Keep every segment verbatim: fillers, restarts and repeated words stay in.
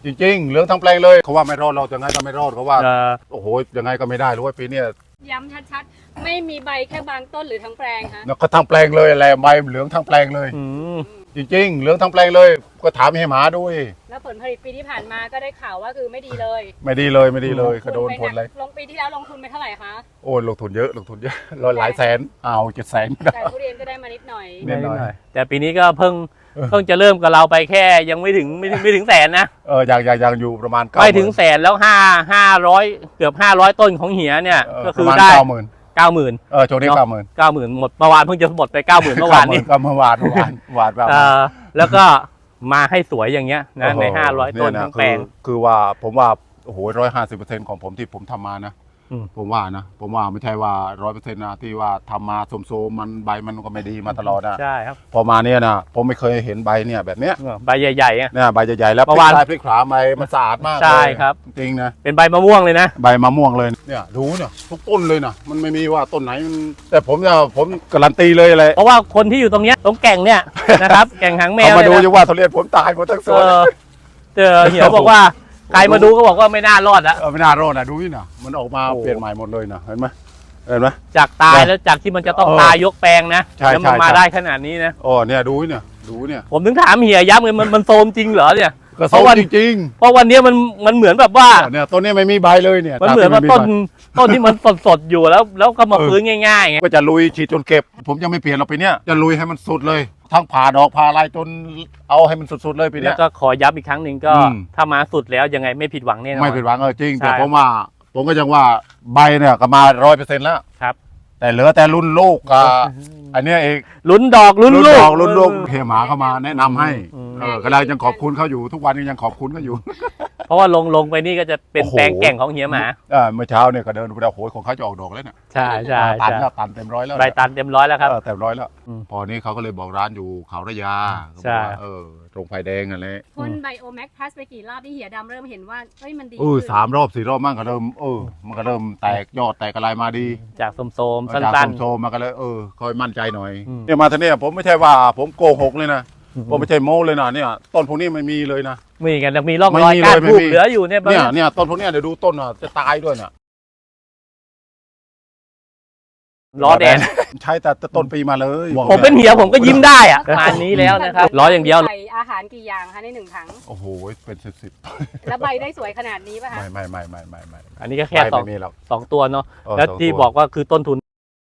จริงๆเหลืองทั้งแปลงเลยเขาว่าไม่รอดเราจะไงก็ไม่รอดเขาว่าโอ้โหยังไงก็ไม่ได้เลยปีนี้ย้ำชัดๆไม่มีใบแค่บางต้นหรือทั้งแปลงฮะก็ทั้งแปลงเลยแหละใบเหลืองทั้งแปลงเลยจริงๆเหลืองทั้งแปลงเลยก็ถามให้หมาด้วยแล้วผลผลิตปีที่ผ่านมาก็ได้ข่าวว่าคือไม่ดีเลยไม่ดีเลยไม่ดีเลยกระโดนผลเลยลงปีที่แล้วลงทุนไปเท่าไหร่คะโอ้ลงทุนเยอะลงทุนเยอะร้อยหลายแสนเอาเจ็ดแสนแต่ทุเรียนก็ได้มานิดหน่อยนิดหน่อยแต่ปีนี้ก็เพิ่งเพิ่งจะเริ่มกับเราไปแค่ยังไม่ถึงไม่ถึงไม่ถึงแสนนะเอออย่างอย่างอย่างอยู่ประมาณไม่ถึงแสนแล้วห้าห้าร้อยเกือบห้าร้อยต้นของเหียเนี่ยก็คือได้เก้าหมื่นเก้าหมื่นเออโจนี้เก้าหมื่นเก้าหมื่นหมดเมื่อวานเพิ่งจะหมดไปเก้าหมื่นเมื่อวานนี้ก็เมื่อวานเมื่อวานวานแบบแล้วก็มาให้สวยอย่างเงี้ยนะในห้าร้อยต้นทั้งแปลงคือว่าผมว่าโอ้โหร้อยห้าสิบเปอร์เซ็นต์ของผมที่ผมทำมานะผมว่านะผมว่าไม่ใช่ว่าร้อยเปอร์เซ็นต์นะที่ว่าทำมาโสมๆมันใบมันก็ไม่ดีมาตลอดนะใช่ครับพอมาเนี่ยนะผมไม่เคยเห็นใบเนี่ยแบบเนี้ยใบใหญ่ๆเนี่ยใบใหญ่ๆแล้วพลิกซ้ายพลิกขวาใบมันสะอาดมากใช่ครับจริงนะเป็นใบมะม่วงเลยนะใบมะม่วงเลยเนี่ยดูเนี่ยทุกต้นเลยนะมันไม่มีว่าต้นไหนแต่ผมเนี่ยผมการันตีเลยอะไรเพราะว่าคนที่อยู่ตรงเนี้ยตรงแก่งเนี่ยนะครับแก่งหางแมวมาดูจะว่าทุเรียนผมตายหมดทั้งสวนเจอเหี่ยวบอกว่าใครมาดูก็บอกว่าไม่น่ารอดอะไม่น่ารอดนะดูนี่นะมันออกมาเปลี่ยนใหม่หมดเลยนะเห็นไหมเห็นไหมจากตายแล้วจากที่มันจะต้องตายยกแปลงนะแล้วมันมาได้ขนาดนี้นะโอ้เนี่ยดูเนี่ยดูเนี่ยผมถึงถามเหี่ยย้ำเลยมันมันโซมจริงเหรอเนี่ยเพราะว่าจริงเพราะวันนี้มันมันเหมือนแบบว่าเนี่ยต้นนี้ไม่มีใบเลยเนี่ยมันเหมือนว่าต้นต้นที่มันสดสดอยู่แล้วแล้วก็มาฟื้นง่ายๆไงก็จะลุยฉีดจนเก็บผมยังไม่เปลี่ยนเราไปเนี่ยจะลุยให้มันสุดเลยทั้งผ่าดอกผ่าลายจนเอาให้มันสุดๆเลยปีนี้แล้วก็ขอย้ำอีกครั้งหนึ่งก็ถ้ามาสุดแล้วยังไงไม่ผิดหวังแน่นอนไม่ผิดหวังเออจริงแต่ผมว่าผมก็ยังว่าใบเนี่ยก็มาร้อยเปอร์เซ็นต์แล้วครับแต่เหลือแต่รุ่นลูกกับอันนี้เองลุ้นดอกลุ้นลูกลุ้นลูกเพียหมาเข้ามาแนะนำให้เออกำลังยังขอบคุณเขาอยู่ทุกวันนี้ยังขอบคุณเขาอยู่เพราะว่าลงลงไปนี่ก็จะเป็นแปลงแก่งของเหี่ยหมาเออเมื่อเช้าเนี่ยก็เดินดูแล้วโหยของเขาจะออกดอกแล้วเนี่ยใช่ใช่ตันแล้วตันเต็มร้อยแล้วใบตันเต็มร้อยแล้วครับเต็มร้อยแล้วพอนี้เขาก็เลยบอกร้านอยู่เขาระยาใช่เออตรงไฟแดงอะไรพ่นไบโอแม็กพลัสไปกี่รอบที่เหี่ยดำเริ่มเห็นว่าเฮ้ยมันดีเออสามรอบสี่รอบมั่งก็เริ่มเออมันก็เริ่มแตกยอดแตกอะไรมาดีจากโสมๆสั้นๆโสมๆมาก็เลยเออคอยมั่นใจหน่อยเนี่ยมาทีนี้ผมไม่ใช่ว่าผมโกหกเลยนะผมไม่ใช่โม้เลยนะเนี่ยต้นพวกนี้ไม่มีเลยนะมีกันมีร่องรอยการปลูกเหลืออยู่เนี่ยเนี่ยเนี่ยต้นพวกนี้เดี๋ยวดูต้นอ่ะจะตายด้วยเนี่ยล้อแดดใช่แต่ต้นปีมาเลยผมเป็นเหี่ยวผมก็ยิ้มได้อ่ะประมาณนี้แล้วนะครับล้ออย่างเดียวใส่อาหารกี่อย่างคะในหนึ่งถังโอ้โหเป็นสิบสิบแล้วใบได้สวยขนาดนี้ป่ะคะไม่ไม่ไม่ไม่ไม่ไม่อันนี้ก็แค่สองสองตัวเนาะแล้วที่บอกว่าคือต้นทุน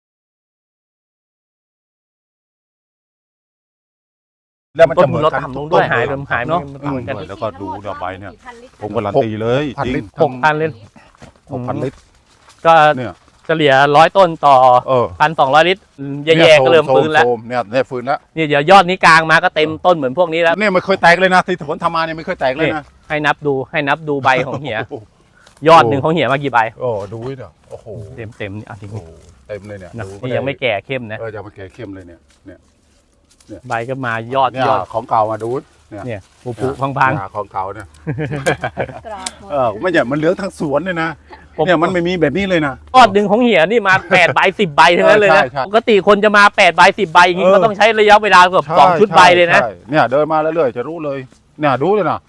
แล้วมันจะเหมือนกันลงด้วยหายหายเนาะแล้วก็ดูดอกใบเนี่ยผมการันตีเลยจริงหกพันลิตรหกพันลิตรก็เนี่ยเฉลี่ยร้อยต้นต่อพันสองร้อยลิตรแย่ๆก็เริ่มฟื้นแล้วเนี่ยเนี่ยฟื้นแล้วเนี่ยเดี๋ยวยอดนี้กลางมาก็เต็มต้นเหมือนพวกนี้แล้วเนี่ยไม่เคยแตกเลยนะที่ผมทำมาเนี่ยไม่เคยแตกเลยนะให้นับดูให้นับดูใบของเหี่ยยอดหนึ่งของเหี่ยมากี่ใบโอ้ดูเนี่ยโอ้โหเต็มเต็มนี่อ่ะจริงเต็มเลยเนี่ยนี่ยังไม่แก่เข้มนะเออยังไม่แก่เข้มเลยเนี่ยเนี่ยใบก็มายอดยอดของเก่ามาดูเนี่ยผุผุพังๆของเก่าเนี่ยเออไม่ใช่มันเหลืองทั้งสวนเลยนะเนี่ยมันไม่มีแบบนี้เลยนะยอดหนึ่งของเหี่ยนี่มาแปดใบสิบใบทั้งนั้นเลยนะปกติคนจะมาแปดใบสิบใบอย่างนี้ก็ต้องใช้ระยะเวลาเกือบสองชุดใบเลยนะเนี่ยเดินมาเรื่อยๆจะรู้เลยเนี่ยดูเลยนะ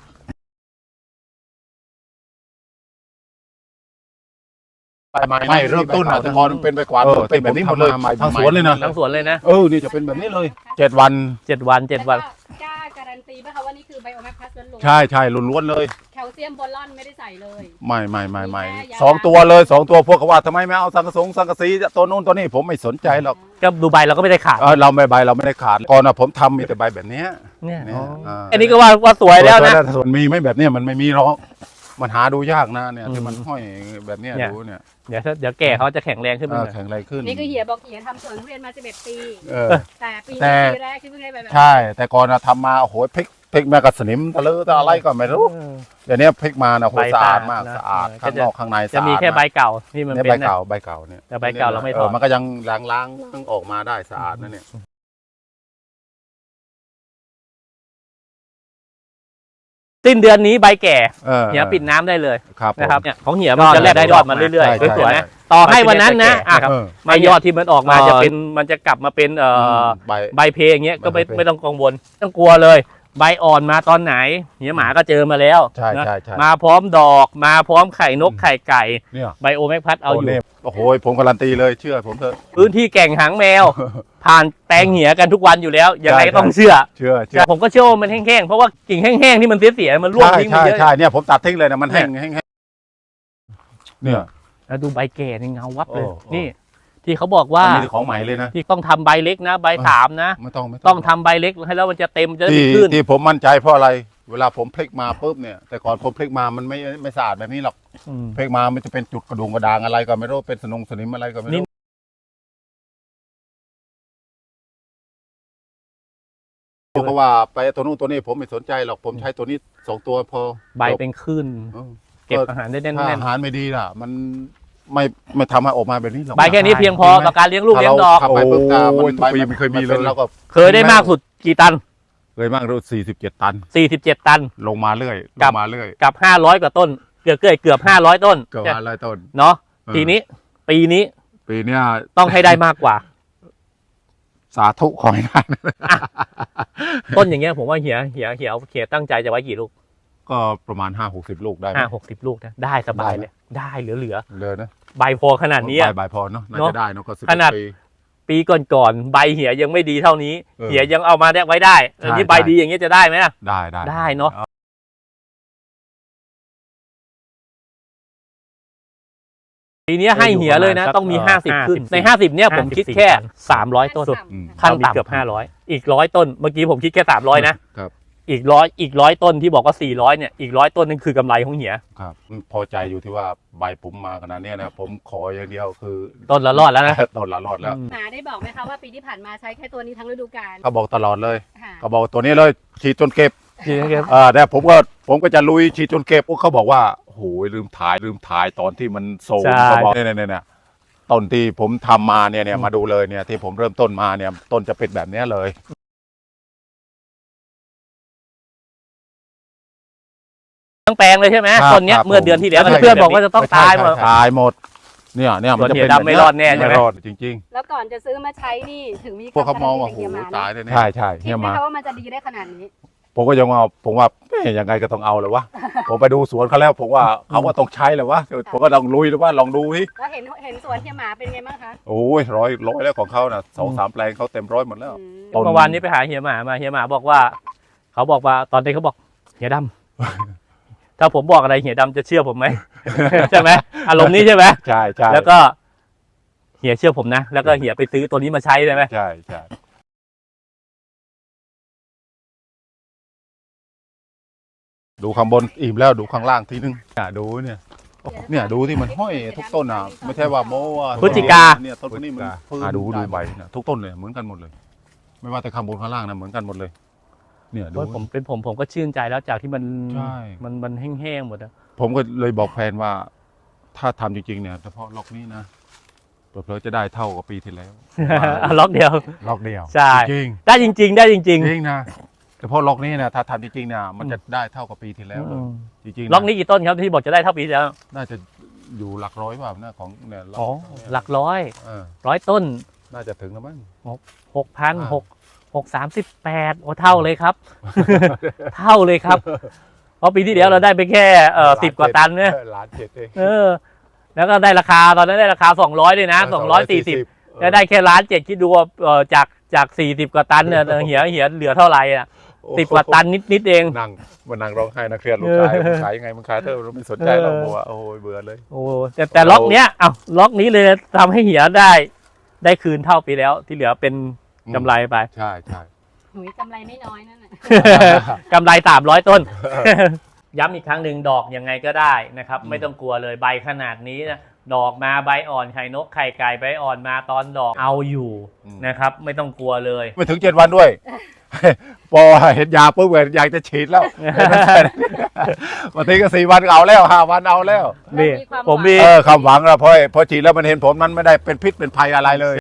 ไม่เริ่มต้นอ่ะแต่พอมันเป็นไปกว่าเป็นแบบนี้หมดเลยทั้งสวนเลยนะทั้งสวนเลยนะเออนี่จะเป็นแบบนี้เลยเจ็ดวันเจ็ดวันเจ็ดวันกล้าการันตีไหมคะว่านี่คือไบโอแม็กพลัสล้วนๆใช่ใช่ล้วนๆเลยแคลเซียมบอลลอนไม่ได้ใส่เลยไม่ไม่ไม่ไม่สองตัวเลยสองตัวพวกเขาว่าทำไมไม่เอาสังกะสงสังกะสีตัวนู้นตัวนี้ผมไม่สนใจหรอกก็ดูใบเราก็ไม่ได้ขาดเราไม่ใบเราไม่ได้ขาดก่อนนะผมทำมีแต่ใบแบบนี้เนี่ยอันนี้ก็ว่าว่าสวยแล้วนะส่วนมีไม่แบบนี้มันไม่มีหรอกมันหาดูยากนะเนี่ยที่มันห้อยแบบนี้ดูเนี่ยเดี๋ยวเดี๋ยวแก่เขาจะแข็งแรงขึ้นมาแข็งแรงขึ้นนี่คือเหี่ยบอกเหี่ยทำสวนทุเรียนมาสิบเอ็ดปีแต่ปีแรกที่เพิ่งได้แบบใช่แต่ก่อนทำมาโอ้โหพริกพริกแม่กระสนิมตะลือตะอะไรก็ไม่รู้เดี๋ยวนี้พริกมานะโหสะอาดมากสะอาดข้างนอกข้างในจะมีแค่ใบเก่าที่มันเป็นใบเก่าใบเก่าเนี่ยแต่ใบเก่าเราไม่ถอดมันก็ยังล้างๆต้องออกมาได้สะอาดนั่นเนี่ยสิ้นเดือนนี้ใบแก่เหี่ยปิดน้ำได้เลยนะครับเนี่ยของเหี่ยมันจะแลกได้ยอดมาเรื่อยๆสวยๆนะต่อให้วันนั้นนะใบยอดที่มันออกมาจะเป็นมันจะกลับมาเป็นใบเพอย่างเงี้ยก็ไม่ไม่ต้องกังวลต้องกลัวเลยใบอ่อนมาตอนไหนเหี่ยหมาก็เจอมาแล้วใช่นะใช่ใช่มาพร้อมดอกมาพร้อมไข่นกไข่ไก่เนี่ยไบโอแมกพัดเอาอยู่โอ้โหผมการันตีเลยเชื่อผมเถอะพื้นที่แก่งหางแมว ผ่านแปลงเหี่ยกันทุกวันอยู่แล้วยังไงก็ต้องเชื่อเชื่อเชื่อแต่ผมก็เชื่อว่ามันแห้งๆเพราะว่ากิ่งแห้งๆที่มันเสียๆมันร่วงใช่ทิ้งไปใช่เยอะใช่เนี่ยผมตัดทิ้งเลยนะมันแห้งแห้งแห้งเนี่ยแล้วดูใบแก่ในเงาวับเลยโอ้โอ้ นี่ที่เขาบอกว่าอันนี้ของใหม่เลยนะที่ต้องทำใบเล็กนะใบสามนะไม่ต้องไม่ต้องทำใบเล็กให้แล้วมันจะเต็มจะได้ที่ไม่ขึ้นที่ผมมั่นใจเพราะอะไร เวลาผมพลิกมาปุ๊บเนี่ยแต่ก่อนผมพลิกมามันไม่ไม่สะอาดแบบนี้หรอกอืมพลิกมามันจะเป็นจุดกระดุงกระดางอะไรก็ไม่รู้เป็นสนงสนิมอะไรก็ไม่นี่รู้เพราะว่าไปตัวนู้นตัวนี้ผมไม่สนใจหรอกผมใช้ตัวนี้สองตัวพอใบเป็นขึ้นเออเก็บอาหารได้แน่ถ้าน อาหารไม่ดีล่ะ มันไม่ไม่ทำให้ออกมาแบบนี้หรอกๆใบแค่นี้เพียงพอต่อการเลี้ยงลูกเลี้ยงดอกถ้าเราขับไปปุ๊บตามันโอ้ยใบทุกปีไม่เคยมีเลยนแล้วก็เคยได้มากสุดกี่ตันเคยมากรู้สี่สิบเจ็ดตันสี่สิบเจ็ดตันลงมาเรื่อยลกับงมาเรื่อยกับห้าร้อยกว่าต้น เกือบเกือบเกือบห้าร้อยต้นเกือบห้าร้อยต้นเนาะเออทีนี้ปีนี้ปีเนี้ยต้องให้ได้มากกว่าสาธุขอให้ได้ต้นอย่างเงี้ยผมว่าเหียเหียเหียเหียตั้งใจจะไว้กี่ลูกก็ประมาณห้าหกสิบลูกได้ไหมห้าหกสิบลูกนะได้สบายได้ไหมเลยได้เหลือเหลือเลยนะๆใบพอขนาดนี้ใบอะใบพอเนาะน่าเนอะจะได้เนาะก็สิบขนาดปีปีก่อนๆใบเหียยังไม่ดีเท่านี้เออเหียยังเอามาได้ไว้ได้อันนี้ใช่ใบใช่ดีอย่างเงี้ยจะได้ไหมอะได้ได้ได้เนอะ ปีนี้ให้เหียเลยนะ ต้องมีห้าสิบขึ้นในห้าสิบเนี่ยผมคิดแค่สามร้อยต้นอืมขั้นต่ำเกือบห้าร้อยอีกร้อยต้นเมื่อกี้ผมคิดแค่สามร้อยนะครับ อีกร้อยอีกร้อยต้นที่บอกว่าสี่ร้อยเนี่ยอีกร้อยต้นนึงคือกำไรของเหียครับพอใจอยู่ที่ว่าใบผมมาขนาดเนี้ยนะผมขออย่างเดียวคือต้นละรอดแล้วนะต้นละรอดแล้วหมาได้บอกไหมคะว่าปีที่ผ่านมาใช้แค่ตัวนี้ทั้งฤดูกาลเขาบอกตลอดเลยค่ะเขาบอกตัวนี้เลยฉีดจนเก็บจริงครับเออแต่ผมก็ผมก็จะลุยฉีดจนเก็บพวกเขาบอกว่าโอ้โหลืมถ่ายลืมถ่ายตอนที่มันโซมเขาบอกเนี่ยเนี่ยเนี่ยต้นที่ผมทำมาเนี่ยเนี่ยมาดูเลยเนี่ยที่ผมเริ่มต้นมาเนี่ยต้นจะเป็นแบบเนี้ยเลยทั้งแปลงเลยใช่ไหมครับต้นเนี้ยครับเมื่อเดือนที่แล้วใช่เพื่อนๆบอกว่าจะต้องตายหมดตายหมดเนี่ยเนี่ยมันจะเป็นส่วนเหี่ยดำไม่รอดแน่ใช่ไหมไม่รอดจริงแล้วก่อนจะซื้อมาใช้นี่ถึงมีๆ พวกเขามองว่าคโอ้วามโหการันตีตายเลยเเนี่ยใช่ใช่คิดเนี่ยไหมมาคะว่ามันจะดีได้ขนาดนี้ผมก็ยังว่าผมว่าเอ๊ะยังไงก็ต้องเอาเลยวะ ผมไปดูสวนเขาแล้วผมว่าเขาว่าต้องใช้เลยวะผมก็ต้องลุยเลยวะลองดูสิแล้วเห็นเห็นสวนเฮียหมาเป็นไงบ้างคะโอ้ยร้อยร้อยแล้วของเขานะสองสามแปลงเขาเต็มร้อยหมดแล้วอืมต้นเมื่อวานนี้ไปหาเฮียหมามาเฮียหมาบอกว่า เขาบอกว่าตอนนี้เขาบอกเฮียดำ ถ้าผมบอกอะไรเฮียดำจะเชื่อผมไหม ใช่ไหมอารมณ์นี้ใช่ไหมใช่ใช่แล้วก็เฮียเชื่อผมนะ แล้วก็เฮียไปซื้อตัวนี้มาใช้ได้ไหมใช่ใช่ดูข้างบนอิ่มแล้วดูข้างล่างทีนึงเนี่ยดูเนี่ยเนี่ยดูที่มันห้อยทุกต้นอ่ะไม่ใช่ว่าโม้ว่าพฤศจิกาเนี่ยต้นนี้มันฟื้นอ่ะดูดูได้ใบเนี่ยทุกต้นเลยเหมือนกันหมดเลย ไม่ว่าแต่ข้างบนข้างล่างนะเหมือนกันหมดเลย เนี่ยดูโอ้ยผมเป็นผมผมก็ชื่นใจแล้วจากที่มันใช่มันมันแห้งๆหมดอะผมก็เลยบอกแฟนว่า ถ้าทำจริงๆเนี่ยเฉพาะล็อกนี้นะเผื่อๆจะได้เท่ากับปีที่แล้วอ่ะล็อกเดียวล็อกเดียวใช่จริงได้จริง ๆ ได้จริงจริงนะเฉพาะล็อกนี้นะถ้าทำจริงๆเนี่ยมันจะได้เท่ากับปีที่ๆแล้วเลยอืมจริงๆะล็อกนี้กี่ต้นครับที่บอกจะได้เท่าปีที่แล้วน่าจะอยู่หลักร้อยเปล่านะของเนี่ยล็อกอ๋อหลักร้อยเออร้อยต้นน่าจะถึงแล้วมั้งหกพันอ่าหกหกสามสิบแปดโอ้เท่าเลยครับ เท่าเลยครับ เพราะปีที่แล้วเราได้ไปแค่เอ่อสิบกว่าตันเนี่ยออล้านเจ็ดเองเออ แล้วก็ได้ราคาตอนนั้นได้ราคาสองร้อยด้วยนะสองร้อยสี่สิบแล้วได้แค่ล้านเจ็ดคิดดูว่าเอ่อจากจากสี่สิบกว่าตันเนี่ยเออเหียเหียเหลือเท่าไหร่อ่ะสิบกว่าตันนิดนิดๆเองนั่งมานั่งร้องไห้นะเครียดลูกชายมึงขายยังไงมึงขายเถอะเราไม่สนใจเราบอกว่าโอ้ยเบื่อเลยโอ้แต่แต่ล็อกเนี้ยอ้าวล็อกนี้เลยทำให้เหียได้ ได้คืนเท่าปีแล้ว ที่เหลือเป็นกำไรไปใช่ใช่หุยกำไรไม่น้อยนั่นน่ะกำไรสามร้อยต้น ย้ำอีกครั้งหนึ่งดอกยังไงก็ได้นะครับ ไม่ต้องกลัวเลยใบขนาดนี้นะดอกมาใบอ่อนไข่นกไข่ไก่ใบอ่อนมาตอนดอกเอาอยู่นะครับ ไม่ต้องกลัวเลยไม่ถึงเจ็ดวันด้วย พอเห็นยาปุ๊บอยากจะฉีดแล้วบางทีก็สี่วันก็เอาแล้วห้าวันเอาแล้วนี่มีความผมหวังมีเออคำหวังแล้วพอพอฉีดแล้วมันเห็นผลมันไม่ได้เป็นพิษเป็นภัยอะไรเลย